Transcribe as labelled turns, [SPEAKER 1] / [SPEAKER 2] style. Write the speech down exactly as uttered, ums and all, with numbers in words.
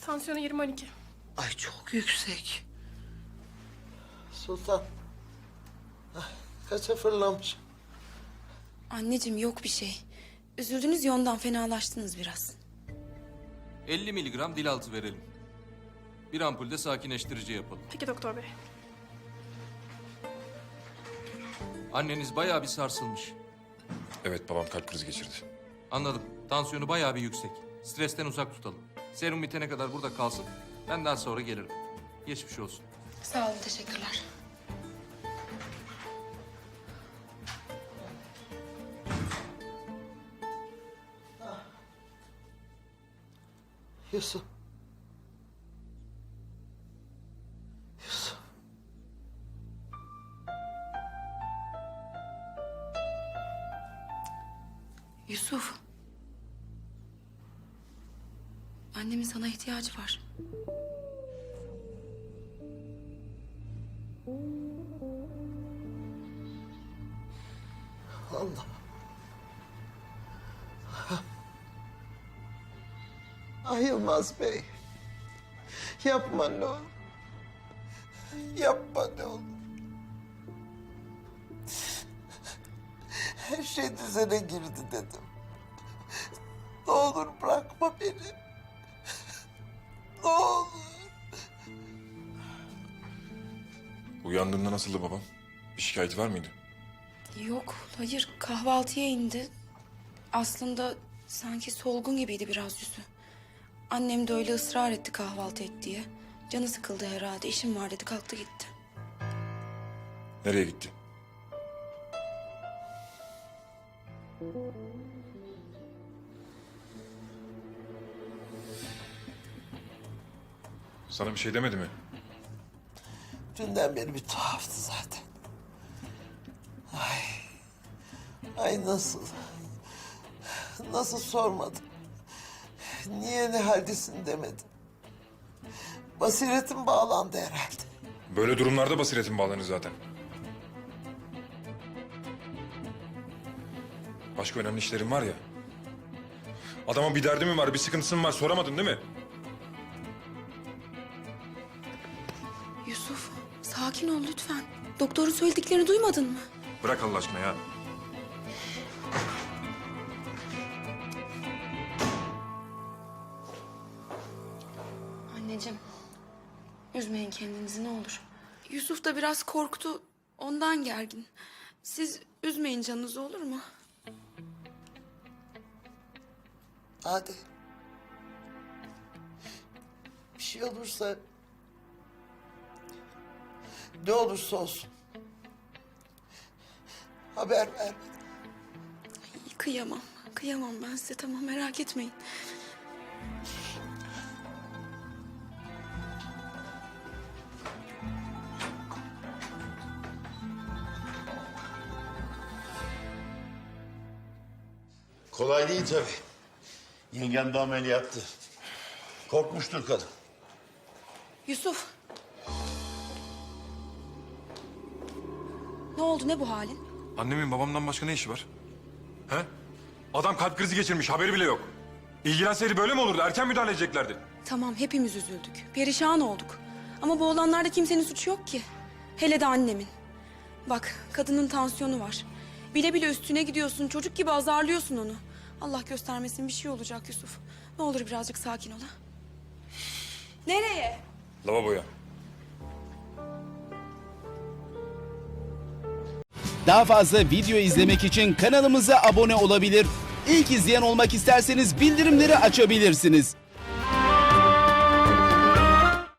[SPEAKER 1] Tansiyonu yirmi on iki.
[SPEAKER 2] Ay çok yüksek. Sultan. Ah, kaça fırlamış?
[SPEAKER 3] Anneciğim yok bir şey. Üzüldünüz ya ondan fenalaştınız biraz.
[SPEAKER 4] elli miligram dil altı verelim. Bir ampul de sakinleştirici yapalım.
[SPEAKER 1] Peki doktor bey.
[SPEAKER 4] Anneniz bayağı bir sarsılmış.
[SPEAKER 5] Evet, babam kalp krizi geçirdi.
[SPEAKER 4] Anladım. Tansiyonu bayağı bir yüksek. Stresten uzak tutalım. Serum bitene kadar burada kalsın. Ben daha sonra gelirim. Geçmiş olsun.
[SPEAKER 3] Sağ olun, teşekkürler.
[SPEAKER 2] Yusuf. Yusuf.
[SPEAKER 3] Yusuf. Annemin sana ihtiyacı var.
[SPEAKER 2] Allah. Ay Yılmaz Bey. Yapma ne olur. Yapma ne olur. Her şey düzene girdi dedim. Ne olur bırakma beni. Ne olur.
[SPEAKER 5] Uyandığında nasıldı babam? Bir şikayeti var mıydı?
[SPEAKER 3] Yok, hayır. Kahvaltıya indi. Aslında sanki solgun gibiydi biraz yüzü. Annem de öyle ısrar etti kahvaltı et diye. Canı sıkıldı herhalde. İşim var dedi, kalktı gitti.
[SPEAKER 5] Nereye gitti? Sana bir şey demedi mi?
[SPEAKER 2] Dünden beri bir tuhaftı zaten. Ay. Ay nasıl? Nasıl sormadım? Niye ne haldesin demedim. Basiretim bağlandı herhalde.
[SPEAKER 5] Böyle durumlarda basiretin bağlanır zaten. Başka önemli işlerin var ya. Adama bir derdi mi var, bir sıkıntısı mı var soramadın değil mi?
[SPEAKER 3] Yusuf, sakin ol lütfen. Doktorun söylediklerini duymadın mı?
[SPEAKER 5] Bırak Allah aşkına ya.
[SPEAKER 3] Anneciğim, üzmeyin kendinizi ne olur. Yusuf da biraz korktu, ondan gergin. Siz üzmeyin canınızı, olur mu?
[SPEAKER 2] Hadi. Bir şey olursa... Ne olursa olsun. Haber ver.
[SPEAKER 3] Ay, kıyamam, kıyamam ben size, tamam merak etmeyin.
[SPEAKER 6] Kolay değil tabii. Yengem de ameliyattı. Korkmuştur kadın.
[SPEAKER 3] Yusuf. Ne oldu, ne bu halin?
[SPEAKER 5] Annemin babamdan başka ne işi var? He? Adam kalp krizi geçirmiş, haberi bile yok. İlgilenseydi böyle mi olurdu? Erken müdahale edeceklerdi.
[SPEAKER 3] Tamam, hepimiz üzüldük, perişan olduk. Ama bu olanlarda kimsenin suçu yok ki. Hele de annemin. Bak, kadının tansiyonu var. Bile bile üstüne gidiyorsun, çocuk gibi azarlıyorsun onu. Allah göstermesin bir şey olacak Yusuf. Ne olur birazcık sakin ol ha. Nereye?
[SPEAKER 5] Lavaboya.
[SPEAKER 7] Daha fazla video izlemek için kanalımıza abone olabilir. İlk izleyen olmak isterseniz bildirimleri açabilirsiniz.